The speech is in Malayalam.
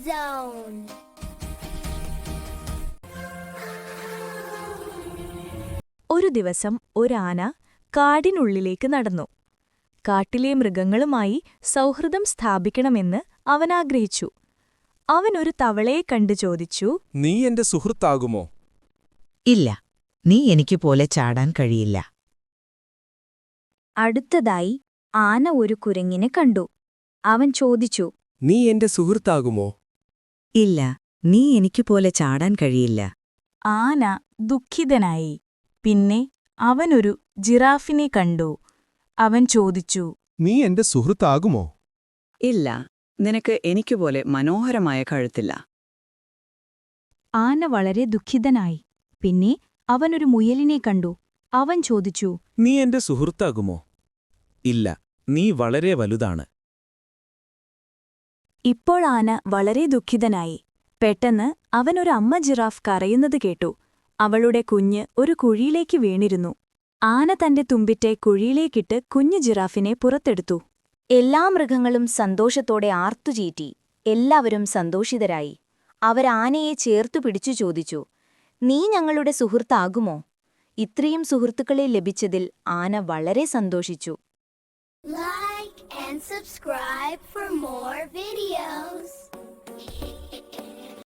Zone. ഒരു ദിവസം ഒരാന കാടിനുള്ളിലേക്ക് നടന്നു. കാട്ടിലെ മൃഗങ്ങളുമായി സൗഹൃദം സ്ഥാപിക്കണമെന്ന് അവൻ ആഗ്രഹിച്ചു. അവനൊരു തവളയെ കണ്ടു ചോദിച്ചു, നീ എന്റെ സുഹൃത്താകുമോ? ഇല്ല, നീ എനിക്കുപോലെ ചാടാൻ കഴിയില്ല. അടുത്തതായി ആന ഒരു കുരങ്ങിനെ കണ്ടു. അവൻ ചോദിച്ചു, നീ എന്റെ സുഹൃത്താകുമോ? ഇല്ല, നീ എനിക്കുപോലെ ചാടാൻ കഴിയില്ല. ആന ദുഃഖിതനായി. പിന്നെ അവനൊരു ജിറാഫിനെ കണ്ടു. അവൻ ചോദിച്ചു, നീ എന്റെ സുഹൃത്താകുമോ? ഇല്ല, നിനക്ക് എനിക്കുപോലെ മനോഹരമായ കഴുത്തില്ല. ആന വളരെ ദുഃഖിതനായി. പിന്നെ അവനൊരു മുയലിനെ കണ്ടു. അവൻ ചോദിച്ചു, നീ എന്റെ സുഹൃത്താകുമോ? ഇല്ല, നീ വളരെ വലുതാണ്. ഇപ്പോൾ ആന വളരെ ദുഃഖിതനായി. പെട്ടെന്ന് അവനൊരു അമ്മ ജിറാഫ് കരയുന്നത് കേട്ടു. അവളുടെ കുഞ്ഞ് ഒരു കുഴിയിലേക്ക് വീണിരുന്നു. ആന തന്റെ തുമ്പിറ്റെ കുഴിയിലേക്കിട്ട് കുഞ്ഞു ജിറാഫിനെ പുറത്തെടുത്തു. എല്ലാ മൃഗങ്ങളും സന്തോഷത്തോടെ ആർത്തുചീറ്റി. എല്ലാവരും സന്തോഷിതരായി. അവരാനയെ ചേർത്തു പിടിച്ചു ചോദിച്ചു, നീ ഞങ്ങളുടെ സുഹൃത്താകുമോ? ഇത്രയും സുഹൃത്തുക്കളെ ലഭിച്ചതിൽ ആന വളരെ സന്തോഷിച്ചു. Like and subscribe for more videos.